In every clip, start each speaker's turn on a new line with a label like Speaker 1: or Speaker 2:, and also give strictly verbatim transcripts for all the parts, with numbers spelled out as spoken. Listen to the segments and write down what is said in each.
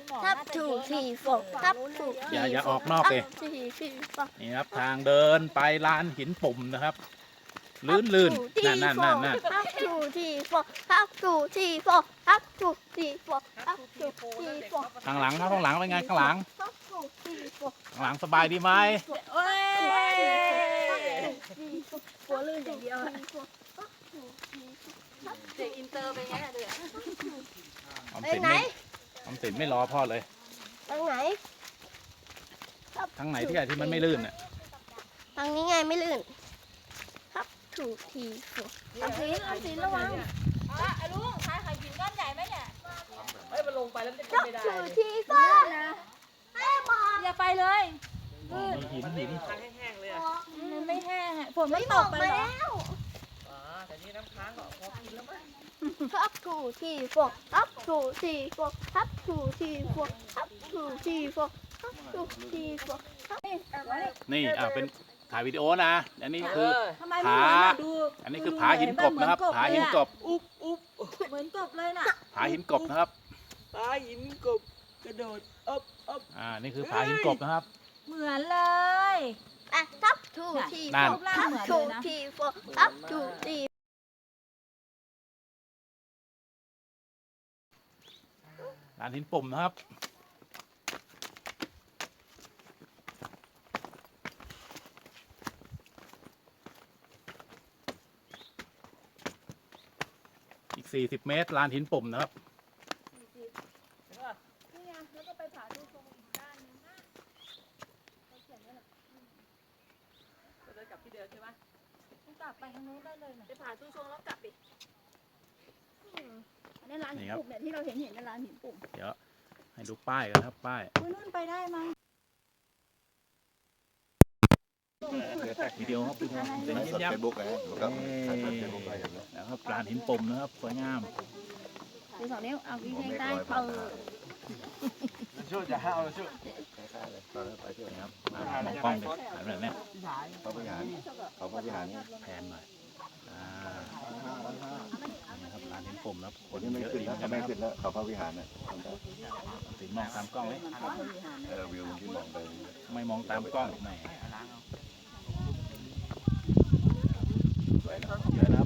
Speaker 1: ทับถูกทีโฟทับถูก
Speaker 2: อย่าอย่าออกนอกเลย
Speaker 1: ทีทีโฟ
Speaker 2: นี่ครับทางเดินไปลานหินปุ่มนะครับลื่นลื่นนั่นนั่นนั่นนั่น
Speaker 1: ทับถูกทีโฟทับถูกทีโฟทับถูกทีโฟทับถูกทีโฟ
Speaker 2: ข้างหลังครับข้างหลังเป็นไงข้างหลัง
Speaker 1: ทับถูกทีโฟ
Speaker 2: ข้างหลังสบายดีไหม
Speaker 3: โอ้ย
Speaker 1: กลัวลื่นอย่างเดียวอะ
Speaker 3: เด็กอินเตอร์เป็นไงอะเด็ก
Speaker 2: ออมสินไม่ออมสินไม่รอพ่อเลย
Speaker 1: ทางไหน
Speaker 2: ทางไหนที่ไหนที่มันไม่ลื่นอ่ะ
Speaker 1: ทางนี้ไงไม่ลื่นทับถูกทีโฟทับทีทับทีระวัง
Speaker 3: อ่ะลุงทายไข่หินก้อนใหญ่ไหมเนี่ย
Speaker 4: เฮ้ยมันลงไปแล้วมันจะ
Speaker 1: ทับ
Speaker 4: ไม่ได้
Speaker 1: ถูกทีโฟให้บอก
Speaker 3: อย่าไปเลย
Speaker 2: มีหินหิน
Speaker 4: ค้างแห้งๆเลยอ่ะ
Speaker 3: มันไม่แห้งอะฝนมัน
Speaker 1: ไม่
Speaker 3: ต
Speaker 1: บอก ก
Speaker 3: ไป
Speaker 1: มา
Speaker 3: เหรอ
Speaker 1: แล้ว
Speaker 4: อ๋อแต่นี่น้ำค้างก็พอกินแล้วมั้ง
Speaker 1: ทับถูกทีโฟทับถูกทีโฟทับถูกทีโฟทับถูกทีโฟทับถูกทีโฟ
Speaker 2: นี่อ่าเป็นถ่ายวิดีโอนะอันนี้คือ
Speaker 3: ทำไมไม่เหมือนอะดู
Speaker 2: อันนี้คือผาหินกบนะครับผาหินกบ
Speaker 4: อุ๊บอุ๊บ
Speaker 3: เหมือนกบเลยน่ะ
Speaker 2: ผาหินกบนะครับ
Speaker 4: ปลาหินกบกระโดดอบอบ
Speaker 2: อ่านี่คือผาหินกบนะครับ
Speaker 3: เหมือนเลย
Speaker 1: อ่ะทับถูกที
Speaker 2: นั่
Speaker 1: โฟ
Speaker 2: น
Speaker 1: ทับถูกทีโฟทับถูกที
Speaker 2: ลานหินปุ่มนะครับอีกสี่สิบเมตรลานหินปุ่มนะครับ
Speaker 3: นี่ไงแล้วก็ไปผาดูตรงอีกด้านนึงนะเขาเขียนไว้น่ะ
Speaker 4: จะเดินกลับที่เดิมใช่ไหม
Speaker 3: ต้องกลับไปทางนู้นได้เลยน่ะ
Speaker 5: ไปผ่าตู้ชงแล้วกลับดิ
Speaker 3: อันนี้ร้านหินปุ่มเนี่ยที่เราเห็นเห็นกันร้านหินปุ่ม
Speaker 2: เดี๋ยวให้ดูป้ายกันนะครับป้าย
Speaker 3: อุ้ยนู่นไปได้มั้ง
Speaker 2: วิดีโอครับวิดีโอเดี๋ยว
Speaker 6: ไลฟ์
Speaker 2: ยิ้
Speaker 6: ส
Speaker 2: ม
Speaker 6: ด
Speaker 2: ยับ
Speaker 6: เฟซบุ๊กนะครับไลฟ์สดเฟซบุ๊กไปอย่างนี้
Speaker 2: นะครับลานหินปุ่มนะครับสวยงาม
Speaker 3: ดูสองนิ้วเอาวิ่ง
Speaker 6: ผมไม่
Speaker 3: ได้
Speaker 6: คอย
Speaker 3: เปิ
Speaker 6: ผ่าน
Speaker 3: ด
Speaker 4: ช่วยจะห้าวช่วย
Speaker 6: คล้ายๆเลยตอนนั้นไปที่ไหน
Speaker 2: นะครับมามองกล้องเลยหันแบบเนี้ย
Speaker 6: เขาบริหารเขาบริหารนี่
Speaker 2: แพนหน่อยอ่านี่ครับลานหินปุ่มนะครับค
Speaker 6: คน
Speaker 2: น
Speaker 6: ที่ไม่
Speaker 2: เยอะ
Speaker 6: ขึ้น
Speaker 2: ดี
Speaker 6: แล้ว
Speaker 2: เหมือน
Speaker 6: เขา
Speaker 2: กัน
Speaker 6: ไม่
Speaker 2: นะครับ
Speaker 6: ขึ้นแล้วเขาพระวิหารน่ะทำได้
Speaker 2: ถึงมองตามกล้องไหม
Speaker 6: เออวิวที่มองไป
Speaker 2: ไม่มองตามกล้องแหมสวยนะครับเยอะนะครับ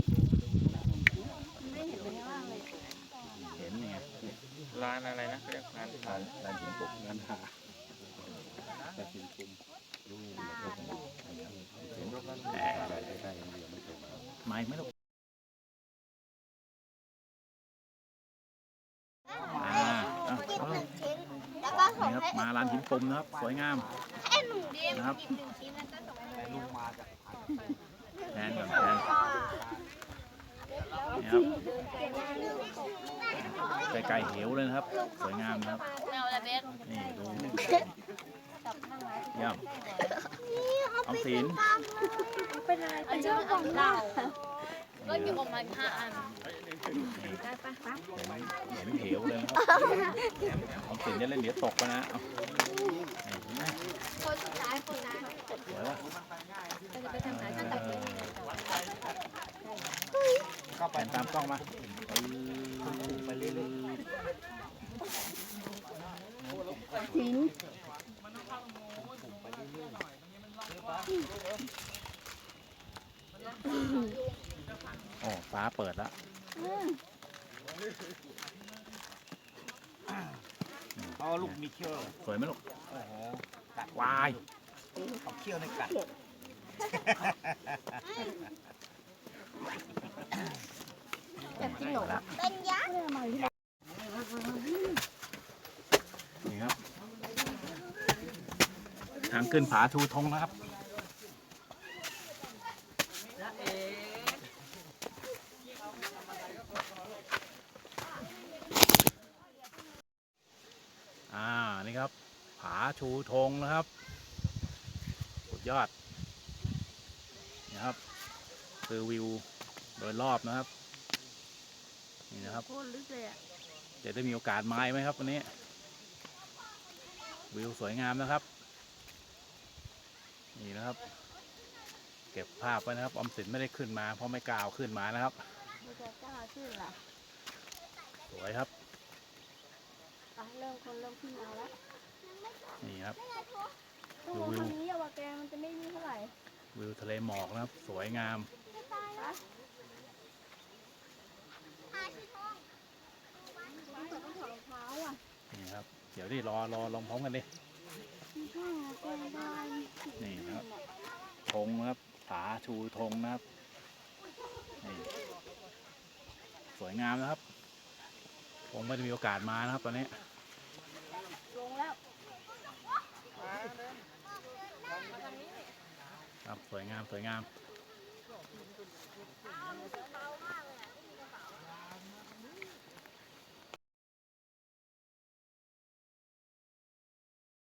Speaker 2: เห็นไง
Speaker 4: ร้านอะไรนะเรียกร้าน
Speaker 6: ลานลานหินปกงานหาลานหินปุ่มดูเห็นรถนั้นอะไรใกล้ๆกันเดียวไม่เคยมา
Speaker 2: ไม่ไม่ต้องอ่าอ่ะ
Speaker 1: กิน
Speaker 2: เอา
Speaker 1: หนึ่งชิ้นแล้วก็ส่
Speaker 2: นี่
Speaker 1: ง
Speaker 2: ครับ
Speaker 1: ให้
Speaker 2: มาลานหินปุ่มนะครับสวยงาม
Speaker 1: ให้หนุ่มเดียม
Speaker 2: นะครับ
Speaker 1: กินหนึ่งชิ้นแล้วก็ส่งให้ลุงมา
Speaker 2: แพนก่อนแพนนี่ครับไกลๆเหวเลยนะครับ สวยงามนะครับ
Speaker 5: แมวอะไรเบส
Speaker 2: นี่ดูเยี่ยมออมสิน
Speaker 1: เป็นอะไร
Speaker 5: อันนี้มันเอาเหล้าก็อยู่ประมาณห้าอัน
Speaker 2: เห็นเหวเลยนะครับออมสินจะเล่นเดี๋ยวตกไปนะเอาเห็นไหม
Speaker 1: คนสุดท้ายคนนั้น
Speaker 2: สวยปะ
Speaker 3: ไปทางไหนกันตัดเลย
Speaker 2: ก็ไปตามกล้องมาไปเรื่อย
Speaker 3: หิน
Speaker 2: ๆโอ้ฟ้าเปิดแล้ว
Speaker 4: อ๋อลูกมีเขี้ยว
Speaker 2: สวยไหมลูก
Speaker 4: โอ้โห
Speaker 2: วาย
Speaker 4: เอาเขี้ยวในกัด
Speaker 1: อยากกินหนูเป็นยักษ์
Speaker 2: นี่ครับ ทางขึ้นผาทูธงนะครับ อ่า นี่ครับ ผาชูธงนะครับสุดยอดนะครับ คือวิวโดยรอบนะครับ นี่นะครับ
Speaker 3: โคตรลึกเลยอ่ะ
Speaker 2: จะได้มีโอกาสมาไหมครับวันนี้ วิวสวยงามนะครับ นี่นะครับ เก็บภาพไว้นะครับออมสินไม่ได้ขึ้นมาเพราะไม่กล้าเอาขึ้นมานะครับ
Speaker 3: ไม่จะกล้าขึ้นล่ะ
Speaker 2: สวยครับ
Speaker 1: อ่ะเริ่มคนเริ่มขึ้นมาแล้ว
Speaker 2: นี่ครับ
Speaker 1: ต้องลงทางนี้อะว่าแกมันจะไม่มีเท่าไหร่
Speaker 2: วิวทะเลหมอกนะครับ สวยงาม
Speaker 1: นะ
Speaker 2: นี่ครับ เดี๋ยวดิรอรอลองพร้อมกันดิ
Speaker 1: มีข้างแกได้
Speaker 2: นี่นะครับธงนะครับผาชูธงนะครับนี่สวยงามนะครับผมไม่ได้มีโอกาสมานะครับตอนนี้
Speaker 1: ลงแล้ว
Speaker 2: ครับสวยงามสวยงาม
Speaker 1: รู้สึกเบามากเลย